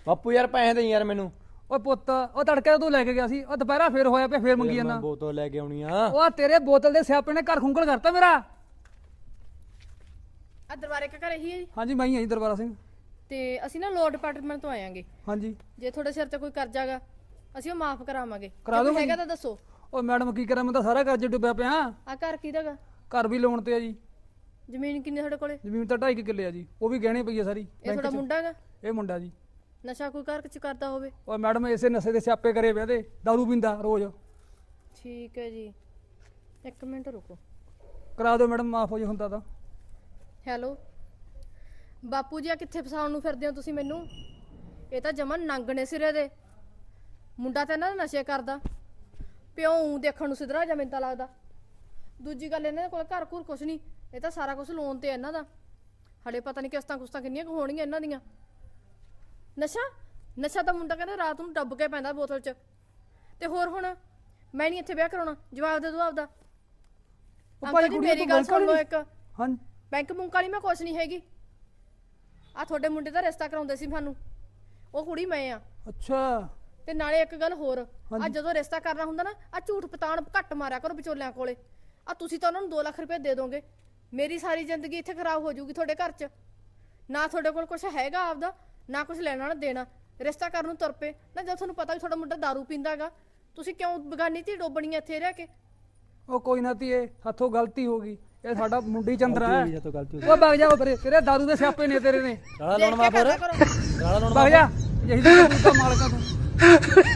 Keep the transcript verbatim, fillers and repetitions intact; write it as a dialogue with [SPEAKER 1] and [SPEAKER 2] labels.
[SPEAKER 1] ਬਾਪੂ ਯਾਰ ਪੈਸੇ ਦੇ ਯਾਰ ਮੈਨੂੰ।
[SPEAKER 2] ਓਏ ਪੁੱਤ ਉਹ ਤੜਕੇ ਤੂੰ ਲੈ ਕੇ ਗਿਆ ਸੀ, ਉਹ ਦੁਪਹਿਰਾ ਫੇਰ ਹੋਇਆ ਪਿਆ, ਫੇਰ ਮੰਗੀ ਜਾਂਦਾ।
[SPEAKER 1] ਬੋਤਲ ਲੈ ਕੇ ਆਉਣੀ ਆ।
[SPEAKER 2] ਉਹ ਤੇਰੇ ਬੋਤਲ ਦੇ ਸਿਆਪੇ ਨੇ ਘਰ ਖੁੰਗਲ ਕਰਤਾ ਮੇਰਾ।
[SPEAKER 3] ਆ ਦਰਬਾਰੇ ਕਾ ਘਰ ਇਹੀ ਹੈ ਜੀ?
[SPEAKER 2] ਹਾਂਜੀ ਮੈਂ ਹੀ ਹਾਂ ਜੀ ਦਰਬਾਰਾ ਸਿੰਘ।
[SPEAKER 3] ਤੇ ਅਸੀਂ ਨਾ ਲੋਨ ਡਿਪਾਰਟਮੈਂਟ ਤੋਂ ਆਇਆਂਗੇ।
[SPEAKER 2] ਹਾਂਜੀ
[SPEAKER 3] ਜੇ ਤੁਹਾਡੇ ਸਿਰ ਤੇ ਕੋਈ ਕਰਜ਼ਾਗਾ ਅਸੀਂ ਉਹ ਮਾਫ ਕਰਾਵਾਂਗੇ।
[SPEAKER 2] ਕਰਾ ਦੋਗੇ?
[SPEAKER 3] ਹੈਗਾ ਤਾਂ ਦੱਸੋ।
[SPEAKER 2] ਓ ਮੈਡਮ ਕੀ ਕਰਾਂ, ਮੈਂ ਤਾਂ ਸਾਰਾ ਕਰਜ਼ੇ ਡੁੱਬਿਆ ਪਿਆ।
[SPEAKER 3] ਆ ਘਰ ਕਿਹਦਾਗਾ?
[SPEAKER 2] ਘਰ ਵੀ ਲੋਨ ਤੇ ਆ ਜੀ।
[SPEAKER 3] ਜ਼ਮੀਨ ਕਿੰਨੀ ਤੁਹਾਡੇ ਕੋਲੇ?
[SPEAKER 2] ਜ਼ਮੀਨ ਤਾਂ ਢਾਈ ਕਿੱਲੇ ਆ ਜੀ, ਉਹ ਵੀ ਗਹਿਣੇ ਪਈ ਆ ਸਾਰੀ।
[SPEAKER 3] ਇਹ ਤੁਹਾਡਾ ਮੁੰਡਾ ਹੈਗਾ?
[SPEAKER 2] ਇਹ ਮੁੰਡਾ ਜੀ।
[SPEAKER 3] ਨਸ਼ਾ ਕੋਈ ਘਰ ਚ ਕਰਦਾ ਹੋਵੇ?
[SPEAKER 2] ਓਏ ਮੈਡਮ ਇਸੇ ਨਸ਼ੇ ਦੇ ਸਿਆਪੇ ਕਰੇ ਪਿਆ ਤੇ ਦਾਰੂ ਪੀਂਦਾ ਰੋਜ਼।
[SPEAKER 3] ਠੀਕ ਹੈ ਜੀ, ਇੱਕ ਮਿੰਟ ਰੁਕੋ।
[SPEAKER 2] ਕਰਾ ਦਿਓ ਮੈਡਮ, ਮਾਫ ਹੋ ਜੇ ਹੁੰਦਾ ਤਾਂ।
[SPEAKER 3] ਹੈਲੋ ਬਾਪੂ ਜੀ, ਆ ਕਿੱਥੇ ਫਸਾਉਣ ਨੂੰ ਫਿਰਦੇ ਹੋ ਤੁਸੀਂ ਮੈਨੂੰ? ਇਹ ਤਾਂ ਜਮਨ ਨੰਗਣੇ ਸਿਰੇ ਦੇ। ਮੁੰਡਾ ਤਾਂ ਇਹਨਾਂ ਦਾ ਨਸ਼ੇ ਕਰਦਾ, ਪਿਓ ਊਂ ਦੇਖਣ ਨੂੰ ਸਿਧਰਾ ਜਾਂ ਮੈਨੂੰ ਤਾਂ ਲੱਗਦਾ। ਦੂਜੀ ਗੱਲ ਇਹਨਾਂ ਦੇ ਕੋਲ ਘਰ ਘੁਰ ਕੁਛ ਨਹੀਂ, ਇਹ ਤਾਂ ਸਾਰਾ ਕੁਝ ਲੋਨ ਤੇ ਇਹਨਾਂ ਦਾ। ਹਲੇ ਪਤਾ ਨਹੀਂ ਕਿਸ਼ਤਾਂ ਕੁਸ਼ਤਾਂ ਕਿੰਨੀਆਂ ਕੁ ਹੋਣਗੀਆਂ ਇਹਨਾਂ ਦੀਆਂ। ਨਸ਼ਾ ਨਸ਼ਾ ਤਾਂ ਮੁੰਡਾ ਕਹਿੰਦਾ ਰਾਤ ਨੂੰ ਡੱਬ ਕੇ ਪੈਂਦਾ ਬੋਤਲ 'ਚ। ਤੇ ਹੋਰ ਹੁਣ ਮੈਂ ਨਹੀਂ ਇੱਥੇ ਵਿਆਹ ਕਰਾਉਣਾ, ਜਵਾਬ ਦੇ ਦੋ ਆਪਦਾ। ਅੰਕਲ ਜੀ ਮੇਰੀ ਗੱਲ ਸੁਣ ਲਓ ਇੱਕ।
[SPEAKER 2] ਹਾਂ
[SPEAKER 3] ਬੈਂਕ ਬੁੰਕ ਵਾਲੀ ਮੈਂ ਕੁਛ ਨਹੀਂ ਹੈਗੀ। ਆ ਤੁਹਾਡੇ ਮੁੰਡੇ ਦਾ ਰਿਸ਼ਤਾ ਕਰਾਉਂਦੇ ਸੀ ਸਾਨੂੰ, ਉਹ ਕੁੜੀ ਮੈਂ ਆ।
[SPEAKER 2] ਅੱਛਾ।
[SPEAKER 3] ਤੇ ਨਾਲੇ ਇੱਕ ਗੱਲ ਹੋਰ, ਆ ਜਦੋਂ ਰਿਸ਼ਤਾ ਕਰਨਾ ਹੁੰਦਾ ਨਾ, ਆ ਝੂਠ ਪਤਾਣ ਘੱਟ ਮਾਰਿਆ ਕਰੋ ਵਿਚੋਲਿਆਂ ਕੋਲੇ। ਆ ਤੁਸੀਂ ਤਾਂ ਉਹਨਾਂ ਨੂੰ ਦੋ ਲੱਖ ਰੁਪਏ ਦੇ ਦੋਗੇ, ਮੇਰੀ ਸਾਰੀ ਜ਼ਿੰਦਗੀ ਇੱਥੇ ਖਰਾਬ ਹੋ ਜਾਊਗੀ ਤੁਹਾਡੇ ਘਰ 'ਚ। ਨਾ ਤੁਹਾਡੇ ਕੋਲ ਕੁਛ ਹੈਗਾ ਆਪਦਾ, ਨਾ ਕੁਛ ਲੈਣਾ ਨਾ ਦੇਣਾ। ਰਿਸ਼ਤਾ ਕਰਨ ਨੂੰ ਤੁਰ ਪਏ ਨਾ, ਜਦ ਤੁਹਾਨੂੰ ਪਤਾ ਵੀ ਤੁਹਾਡਾ ਮੁੰਡਾ ਦਾਰੂ ਪੀਂਦਾਗਾ, ਤੁਸੀਂ ਕਿਉਂ ਬਗਾਨੀ ਧੀ ਡੋਬਣੀ ਇੱਥੇ ਰਹਿ ਕੇ?
[SPEAKER 2] ਉਹ ਕੋਈ ਨਾ ਧੀਏ, ਹੱਥੋਂ ਗਲਤੀ ਹੋ ਗਈ। ਇਹ ਸਾਡਾ ਮੁੰਡੀ ਚੰਦਰਾ ਹੈ।
[SPEAKER 1] ਇਹ ਤੋਂ ਗਲਤੀ
[SPEAKER 2] ਉਹ ਵਗ ਜਾ ਪਰੇ, ਤੇਰੇ ਦਾਰੂ ਦੇ ਸਿਆਪੇ ਨੇ ਤੇਰੇ ਨੇ।
[SPEAKER 1] ਗਾਲਾਂ ਲਾਉਣ ਮਾ ਫਿਰ ਗਾਲਾਂ ਲਾਉਣ
[SPEAKER 2] ਵਗ ਜਾ, ਇਹੀ ਤਾਂ ਮਾਲਕਾਂ ਤੂੰ।